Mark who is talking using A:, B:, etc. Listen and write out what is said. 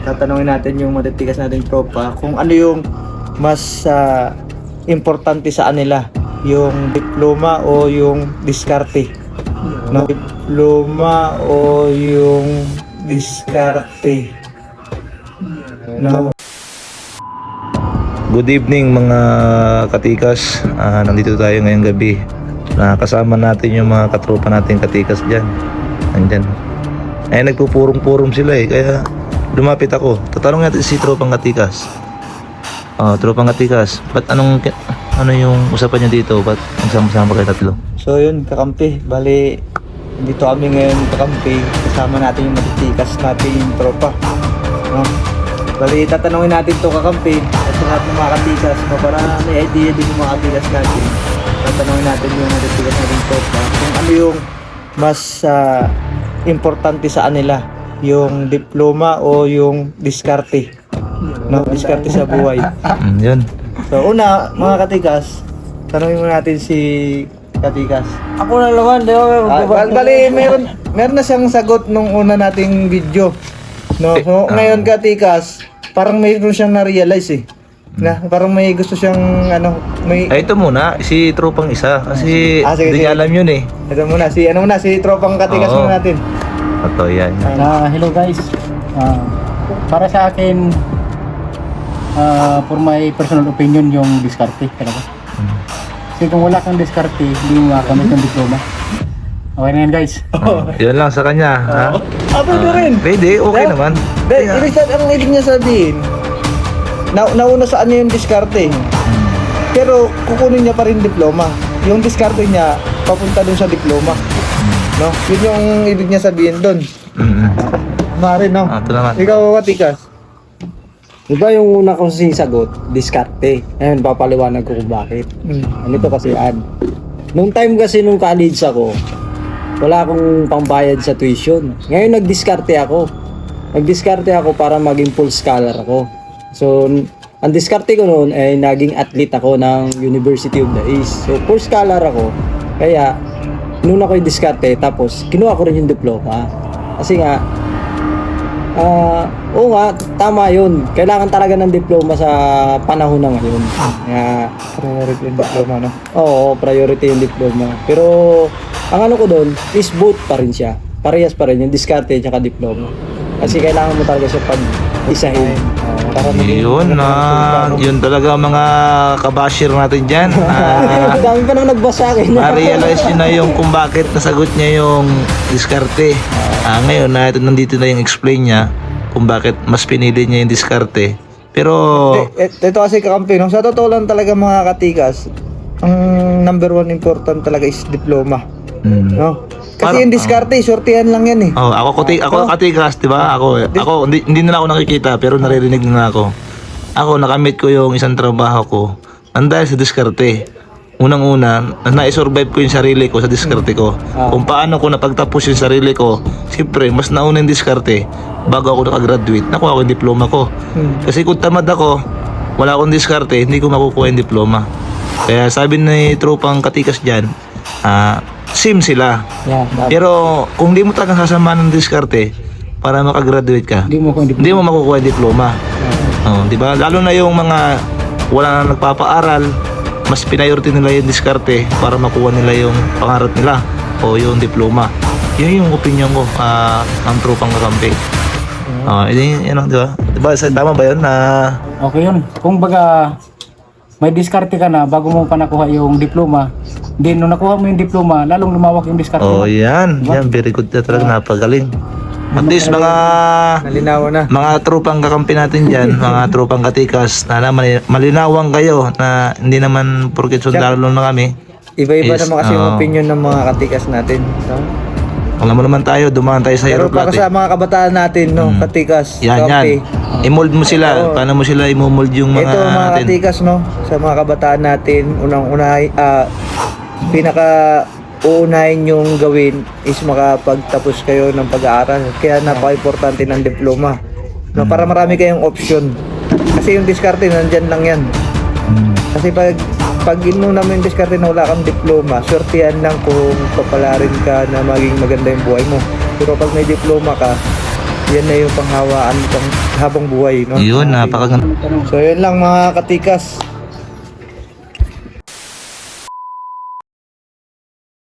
A: tatanungin natin yung matitikas nating tropa kung ano yung mas importante sa kanila, yung diploma o yung diskarte. No? Diploma o yung diskarte. No?
B: Good evening mga katikas. Nandito tayo ngayong gabi. Kasama natin yung mga katropa natin katikas dyan. Nandyan. Nagpupurong-purong sila kaya lumapit ako. Tatanong natin si tropang katikas. Tropang katikas, ba't ano yung usapan niya dito? Ba't nagsama-sama kayo tatlo?
A: So yun, kakampi. Bali, dito kami ngayon kakampi. Kasama natin yung matitikas natin yung tropa. No? Bali, tatanungin natin to kakampi at sa lahat ng mga katikas para may idea din yung mga katikas natin. Tatanungin natin yung matitikas natin tropa kung ano yung mas importante sa kanila, yung diploma o yung diskarte. No, diskarte sa buhay.
B: Yun.
A: So una, mga katikas, tanungin mo natin si katikas.
C: Ako na naman, di ba?
A: Bali, meron na siyang sagot nung una nating video. No, so ngayon katikas, parang mayroon siyang na-realize na parang may gusto siyang may
B: Ito muna, si tropang isa. Kasi
A: sige,
B: hindi niya
A: sige.
B: alam yun
A: ito muna si tropang katikas
B: Oo.
A: muna natin.
B: Ito, yan.
C: Hello guys. Para sa akin, for my personal opinion, yung diskarte talaga. Kasi kung wala kang diskarte, hindi mo makamit yung diploma. Okay na yan guys.
B: Yun lang sa kanya. Ha?
A: Pwede rin.
B: Pwede, okay
A: Yeah.
B: naman.
A: Ang ibig niya sabihin, nauna sa ano yung diskarte. Pero kukunin niya pa rin diploma. Yung diskarte niya, papunta dun sa diploma. No? Yun yung ibig niya sabihin dun. Mare, no?
B: Ito naman.
A: Ikaw, katikas.
C: Diba yung una kong sinasagot, diskarte. Ngayon, papaliwanag ko kung bakit. Ano kasi ad. Nung time kasi nung college ako, wala akong pambayad sa tuition. Ngayon nagdiskarte ako. Nagdiskarte ako para maging full scholar ako. So, ang diskarte ko noon ay naging athlete ako ng University of the East. So, full scholar ako. Kaya, noon ako yung diskarte, tapos kinuha ko rin yung diploma. Kasi nga, oo nga, tama yun. Kailangan talaga ng diploma sa panahon na ngayon.
A: Priority yung diploma, no?
C: Oo, priority yung diploma. Pero, ang ano ko doon, is both pa rin siya. Parehas pa rin, yung diskarte at diploma. Kasi kailangan mo talaga siya pag-isahin. Para
B: Yun talaga mga kabashir natin dyan.
C: Dami pa naman nagbasa akin.
B: Ma-realize nyo na yung kung bakit nasagot niya yung diskarte. Ngayon na nandito na yung explain niya kung bakit mas pinili niya yung diskarte. Pero
A: Ito kasi kakampi, no? Sa totoo lang talaga mga katikas, ang number one important talaga is diploma. No? Kasi yung diskarte, sortihan lang yan
B: ako katikas, 'di ba? Ako hindi na ako nakikita pero naririnig na ako. Ako nakamit ko yung isang trabaho ko. Dahil sa diskarte. Unang-una, na-survive ko yung sarili ko sa diskarte ko. Kung paano ko napagtapos yung sarili ko, siyempre, mas nauna yung diskarte bago ako nakagraduate. Nakuha ko yung diploma ko. Kasi kung tamad ako, wala akong diskarte, hindi ko makukuha yung diploma. Kaya sabi ni tropang katikas dyan, same sila.
C: Yeah,
B: Pero kung di mo talagang sasamahan ng diskarte para makagraduate ka, hindi mo makukuha yung diploma. Di ba? Lalo na yung mga wala na nagpapaaral, mas priority nila yung diskarte para makuha nila yung pangarap nila o yung diploma. Yun yung opinion ko ng tropang kakampi. Yun, di ba? Diba, tama ba yun?
C: Okay yun. Kung baga, may diskarte ka na bago mo pa nakuha yung diploma. Then, nung nakuha mo yung diploma, lalong lumawak yung diskarte mo.
B: Yan. Yan, very good na talaga. Napagaling. At least
A: Nalinaw na.
B: mga tropang kakampi natin dyan, mga tropang katikas, na malinawang kayo na hindi naman porket sundalo na kami.
A: Iba-iba
B: Yes,
A: naman kasi yung opinion ng mga katikas natin. So,
B: alam mo naman tayo, dumaan tayo sa
A: pero para
B: aeroplate.
A: sa mga kabataan natin, no, katikas,
B: Yan. I-mold mo sila.
A: Oo.
B: Paano mo sila i-mold yung mga
A: Ito mga
B: natin?
A: katikas, no, sa mga kabataan natin, unang-una, uunahin yung gawin is makapagtapos kayo ng pag-aaral. Kaya napaka-importante ng diploma. No, para marami kayong option. Kasi yung diskarte, nandyan lang yan. Kasi pag inuna mo yung diskarte na wala kang diploma, swertihan lang kung papalarin ka na maging maganda yung buhay mo. Pero pag may diploma ka, yan na yung panghawaan pang habang buhay, no?
B: Yun, napakaganda.
A: So yun lang mga katikas.